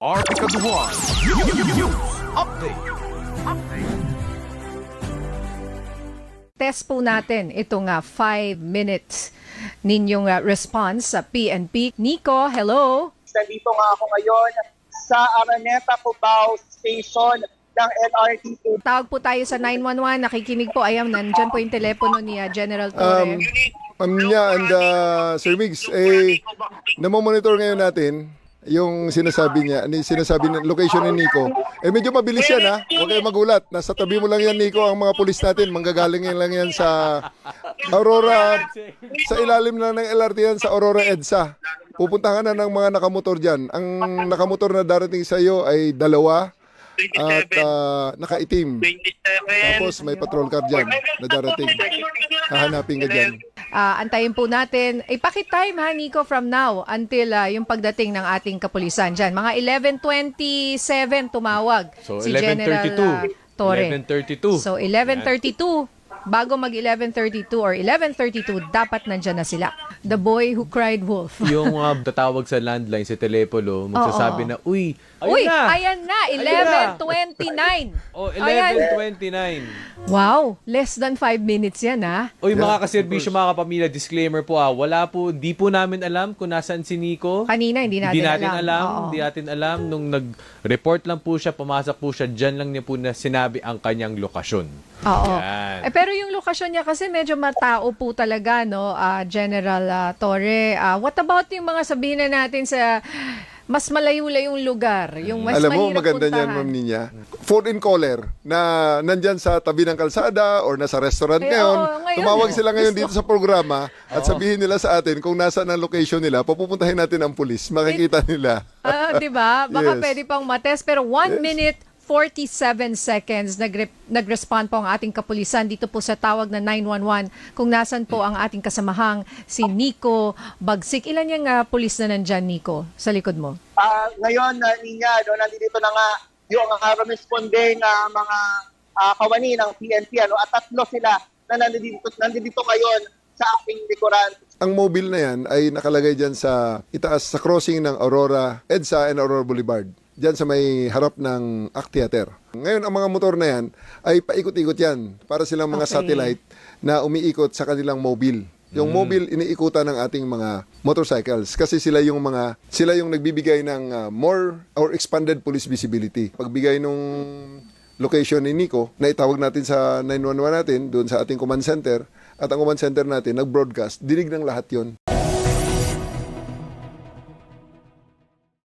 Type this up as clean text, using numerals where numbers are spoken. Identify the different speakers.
Speaker 1: Arkaduan News Update.
Speaker 2: Test po natin itong 5 minutes ninyong response sa PNP. Nico, hello?
Speaker 3: Nandito nga ako ngayon sa Araneta, Cubao Station ng LRT2.
Speaker 2: Tawag po tayo sa 911. Nakikinig po. Ayan, nandyan po yung telepono ni General Torre.
Speaker 4: Ma'am Nya and Sir Migs, namomonitor ngayon natin yung sinasabi niya, sinasabi ng location ni Nico. Medyo mabilis yan ha, huwag kayong magulat. Nasa tabi mo lang yan Nico, ang mga pulis natin, manggagaling yan lang yan sa Aurora, sa ilalim na ng LRT yan, sa Aurora EDSA. Pupuntahan na ng mga nakamotor dyan. Ang nakamotor na darating sa iyo ay 2 at nakaitim. Tapos may patrol car dyan na darating. Hahanapin ka dyan.
Speaker 2: Antayin po natin. Pakitime ha, Nico, from now until yung pagdating ng ating kapulisan dyan. Mga 11:27 tumawag
Speaker 5: So,
Speaker 2: si General
Speaker 5: 11:32.
Speaker 2: Torre.
Speaker 5: 11:32.
Speaker 2: So, 11:32. Bago mag 11:32 or 11:32, dapat nandyan na sila. The boy who cried wolf.
Speaker 5: Yung tatawag sa landline, sa telepono, magsasabi na, uy,
Speaker 2: Uy,
Speaker 5: ayun na!
Speaker 2: ayan na, 11:29.
Speaker 5: Oh,
Speaker 2: Ayan.
Speaker 5: 11:29.
Speaker 2: Wow, less than 5 minutes yan ha.
Speaker 5: Uy, mga kaserbisyo, mga kapamilya, disclaimer po wala po, di po namin alam kung nasaan si Nico.
Speaker 2: Kanina, hindi natin alam. Oo.
Speaker 5: Hindi natin alam. Nung nag-report lang po siya, pumasok po siya, dyan lang niya po na sinabi ang kanyang lokasyon.
Speaker 2: Oo.
Speaker 5: Yan.
Speaker 2: Pero yung lokasyon niya kasi medyo matao po talaga, no, General Torre. What about yung mga sabihin na natin sa mas malayo-layong lugar? Yung mas
Speaker 4: Alam mo,
Speaker 2: mahirap
Speaker 4: maganda
Speaker 2: puntahan.
Speaker 4: niyan, Ma'am Ninya. Phone-in caller na nandyan sa tabi ng kalsada or nasa restaurant
Speaker 2: Ay,
Speaker 4: ngayon.
Speaker 2: oo, ngayon,
Speaker 4: Tumawag
Speaker 2: oo.
Speaker 4: sila ngayon dito sa programa at sabihin nila sa atin kung nasaan ang location nila. Papupuntahin natin ang pulis. Makikita nila.
Speaker 2: Di ba? Baka
Speaker 4: Yes.
Speaker 2: pwede pang matest. Pero 1 minute 47 seconds nag-respond po ang ating kapulisan dito po sa tawag na 911 kung nasan po ang ating kasamahang si Nico Bagsik. Ilan yung pulis na nandyan, Nico, sa likod mo?
Speaker 3: Ngayon, Ninya, nandito na nga yung responding mga kawani ng PNP at 3 sila na nandito ngayon sa aking likuran.
Speaker 4: Ang mobile na yan ay nakalagay dyan sa itaas sa crossing ng Aurora, EDSA and Aurora Boulevard. Diyan sa may harap ng ACT Theater. Ngayon, ang mga motor na yan ay paikot-ikot yan para silang mga
Speaker 2: Okay.
Speaker 4: satellite na umiikot sa kanilang mobile. Yung mobile, iniikutan ng ating mga motorcycles kasi sila yung nagbibigay ng more or expanded police visibility. Pagbigay nung location ni Nico, na itawag natin sa 911 natin, doon sa ating command center, at ang command center natin, nag-broadcast, dinig ng lahat yon.